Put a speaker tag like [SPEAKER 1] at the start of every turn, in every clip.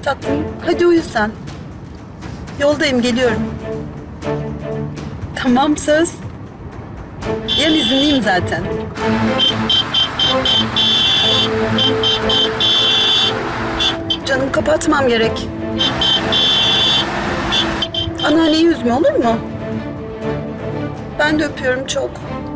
[SPEAKER 1] Tatlım, hadi uyu sen. Yoldayım, geliyorum. Tamam, söz. Yarın izinliyim zaten. Canım, kapatmam gerek. Anneanneyi üzme, olur mu? Ben de öpüyorum çok.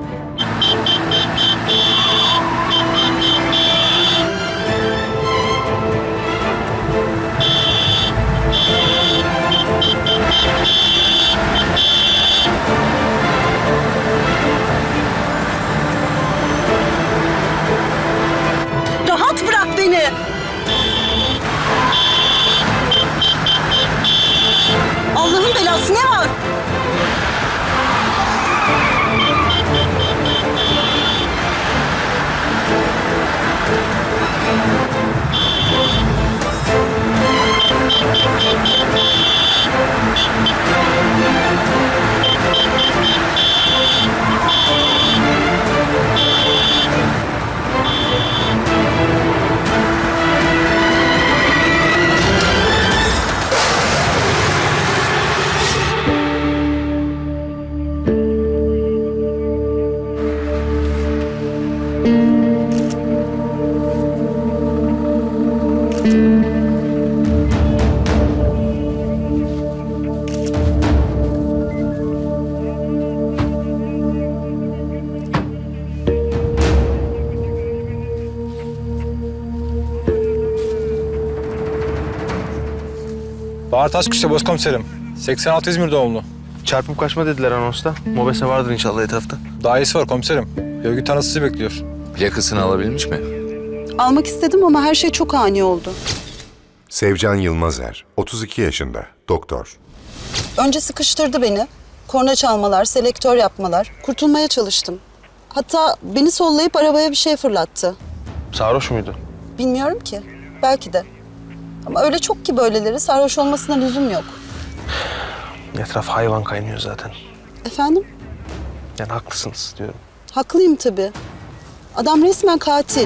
[SPEAKER 1] Rahat bırak beni. Allah'ın belası, ne var?
[SPEAKER 2] Bahar Taşkışla başkomiserim. 86 İzmir doğumlu.
[SPEAKER 3] Çarpıp kaçma dediler anonsta. Mobese vardır inşallah etrafta.
[SPEAKER 2] Daha iyisi var komiserim. Görgü tanısı sizi bekliyor.
[SPEAKER 4] Plakasını alabilmiş mi?
[SPEAKER 1] Almak istedim ama her şey çok ani oldu.
[SPEAKER 5] Sevcan Yılmazer, 32 yaşında, doktor.
[SPEAKER 1] Önce sıkıştırdı beni. Korna çalmalar, selektör yapmalar. Kurtulmaya çalıştım. Hatta beni sollayıp arabaya bir şey fırlattı.
[SPEAKER 3] Sarhoş muydu?
[SPEAKER 1] Bilmiyorum ki. Belki de. Ama öyle çok ki böyleleri, sarhoş olmasına lüzum yok.
[SPEAKER 3] Etraf hayvan kaynıyor zaten.
[SPEAKER 1] Efendim?
[SPEAKER 3] Yani haklısınız diyorum.
[SPEAKER 1] Haklıyım tabii. Adam resmen katil.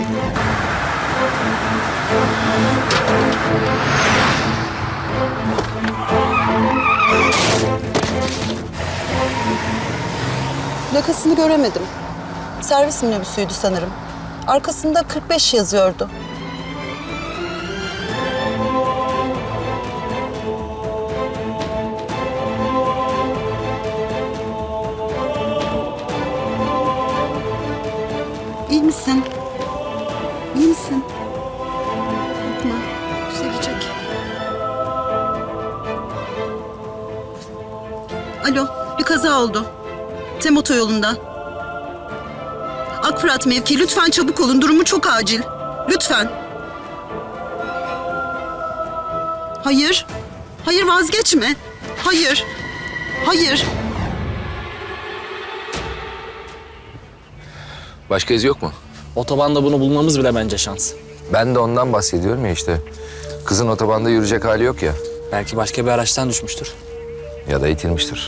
[SPEAKER 1] Plakasını göremedim. Servis minibüsüydü sanırım. Arkasında 45 yazıyordu. İyi misin? İyi misin? Korkma. Düzelecek. Alo, bir kaza oldu. Tem otoyolunda. Akfırat mevki, lütfen çabuk olun. Durumu çok acil. Lütfen. Hayır. Hayır, vazgeçme. Hayır. Hayır.
[SPEAKER 4] Başka iz yok mu?
[SPEAKER 6] Otobanda bunu bulmamız bile bence şans.
[SPEAKER 4] Ben de ondan bahsediyorum ya işte. Kızın otobanda yürüyecek hali yok ya.
[SPEAKER 6] Belki başka bir araçtan düşmüştür.
[SPEAKER 4] Ya da itilmiştir.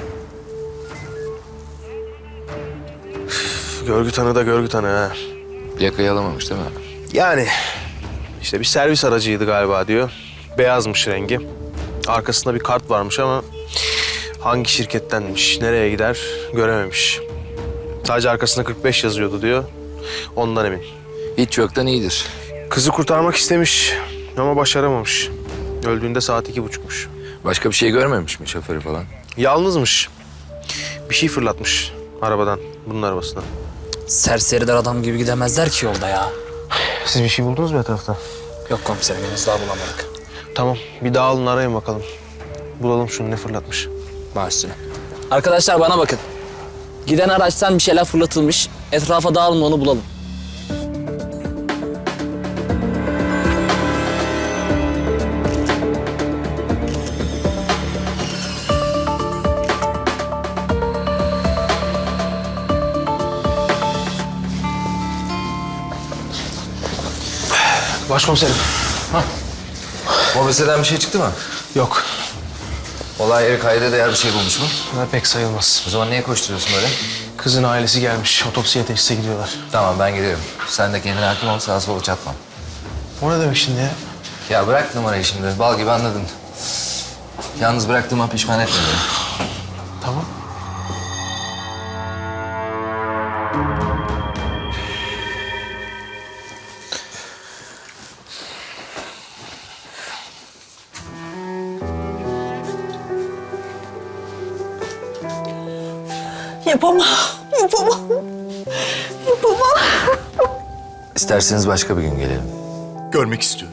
[SPEAKER 3] Görgü tanığı da görgü tanığı ha.
[SPEAKER 4] Plakayı alamamış değil mi?
[SPEAKER 3] Yani işte bir servis aracıydı galiba diyor. Beyazmış rengi. Arkasında bir kart varmış ama hangi şirkettenmiş, nereye gider görememiş. Sadece arkasında 45 yazıyordu diyor. Ondan emin.
[SPEAKER 4] Hiç yoktan iyidir.
[SPEAKER 3] Kızı kurtarmak istemiş ama başaramamış. Öldüğünde saat 2.30'muş.
[SPEAKER 4] Başka bir şey görmemiş mi şoförü falan?
[SPEAKER 3] Yalnızmış. Bir şey fırlatmış arabadan, bunun arabasından.
[SPEAKER 6] Serseriler adam gibi gidemezler ki yolda ya.
[SPEAKER 3] Siz bir şey buldunuz mu etrafta?
[SPEAKER 6] Yok komiserim, henüz daha bulamadık.
[SPEAKER 3] Tamam, bir daha alın arayın bakalım. Bulalım şunu, ne fırlatmış.
[SPEAKER 6] Baş üstüne. Arkadaşlar bana bakın. Giden araçtan bir şeyler fırlatılmış. Etrafa dağılın, onu bulalım.
[SPEAKER 3] Başkomiserim.
[SPEAKER 4] Mobeseden bir şey çıktı mı?
[SPEAKER 3] Yok,
[SPEAKER 4] Olay yeri kayda değer bir şey bulmuş mu?
[SPEAKER 3] pek sayılmaz.
[SPEAKER 4] O zaman niye koşturuyorsun böyle?
[SPEAKER 3] Kızın ailesi gelmiş, otopsiye teşhise gidiyorlar.
[SPEAKER 4] Tamam ben gidiyorum. Sen de kendine hakim ol, sağa sola çatma.
[SPEAKER 3] O ne demek şimdi ya?
[SPEAKER 4] Ya bırak numarayı şimdi. Bal gibi anladın. Yalnız bıraktığıma pişman etme beni.
[SPEAKER 3] Tamam.
[SPEAKER 1] Yapamam, yapamam. Yapamam.
[SPEAKER 4] İsterseniz başka bir gün gelelim.
[SPEAKER 7] Görmek istiyorum.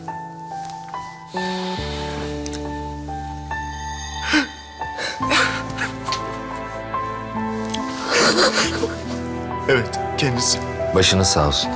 [SPEAKER 7] Evet, kendisi.
[SPEAKER 4] Başınız sağ olsun.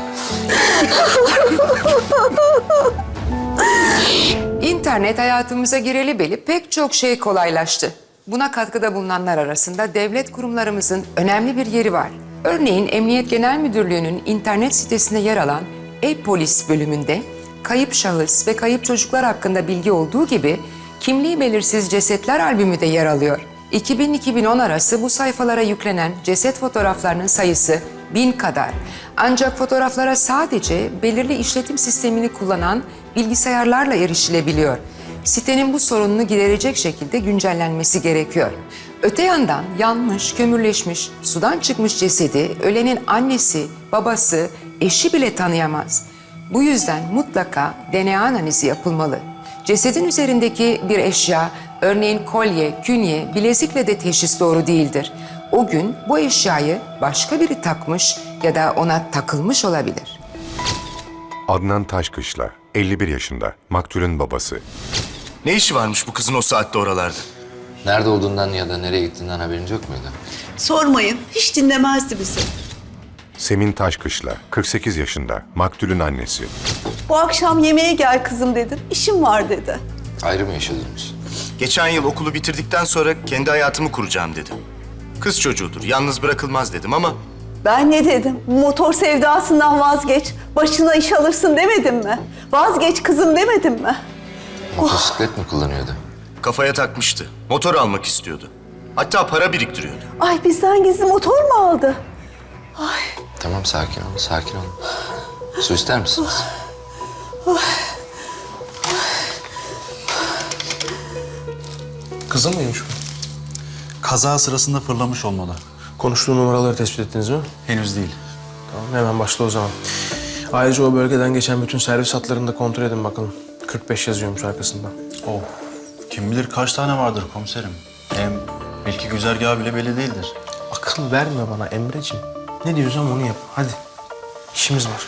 [SPEAKER 8] İnternet hayatımıza gireli beli pek çok şey kolaylaştı. Buna katkıda bulunanlar arasında devlet kurumlarımızın önemli bir yeri var. Örneğin Emniyet Genel Müdürlüğü'nün internet sitesinde yer alan e-polis bölümünde kayıp şahıs ve kayıp çocuklar hakkında bilgi olduğu gibi kimliği belirsiz cesetler albümü de yer alıyor. 2000-2010 arası bu sayfalara yüklenen ceset fotoğraflarının sayısı 1000 kadar. Ancak fotoğraflara sadece belirli işletim sistemini kullanan bilgisayarlarla erişilebiliyor. Sitenin bu sorununu giderecek şekilde güncellenmesi gerekiyor. Öte yandan yanmış, kömürleşmiş, sudan çıkmış cesedi ölenin annesi, babası, eşi bile tanıyamaz. Bu yüzden mutlaka DNA analizi yapılmalı. Cesedin üzerindeki bir eşya, örneğin kolye, künye, bilezikle de teşhis doğru değildir. O gün bu eşyayı başka biri takmış ya da ona takılmış olabilir.
[SPEAKER 5] Adnan Taşkışla, 51 yaşında, maktulün babası.
[SPEAKER 7] Ne işi varmış bu kızın o saatte oralarda?
[SPEAKER 4] Nerede olduğundan ya da nereye gittiğinden haberiniz yok muydu?
[SPEAKER 1] Sormayın, hiç dinlemezdi bizi.
[SPEAKER 5] Semin Taşkışla, 48 yaşında, maktulün annesi.
[SPEAKER 1] Bu akşam yemeğe gel kızım dedim, işim var dedi.
[SPEAKER 4] Ayrı mı yaşadınız?
[SPEAKER 7] Geçen yıl okulu bitirdikten sonra kendi hayatımı kuracağım dedi. Kız çocuğudur, yalnız bırakılmaz dedim ama
[SPEAKER 9] Ben ne dedim? Motor sevdasından vazgeç. Başına iş alırsın demedim mi? Vazgeç kızım demedim mi?
[SPEAKER 4] Motosiklet mi kullanıyordu?
[SPEAKER 7] kafaya takmıştı. Motor almak istiyordu. Hatta para biriktiriyordu.
[SPEAKER 9] Ay bizden gizli motor mu aldı?
[SPEAKER 4] Tamam sakin olun, sakin olun. Su ister misiniz?
[SPEAKER 3] Kızın mıymış bu?
[SPEAKER 10] Kaza sırasında fırlamış olmalı.
[SPEAKER 3] Konuştuğu numaraları tespit ettiniz mi?
[SPEAKER 10] Henüz değil.
[SPEAKER 3] Tamam, hemen başla o zaman. Ayrıca o bölgeden geçen bütün servis hatlarını da kontrol edin bakalım. 45 yazıyormuş arkasında.
[SPEAKER 10] Oh, kim bilir kaç tane vardır komiserim. Hem belki güzergahı bile belli değildir.
[SPEAKER 3] Akıl verme bana Emreciğim. Ne diyorsam onu yap. Hadi. İşimiz var.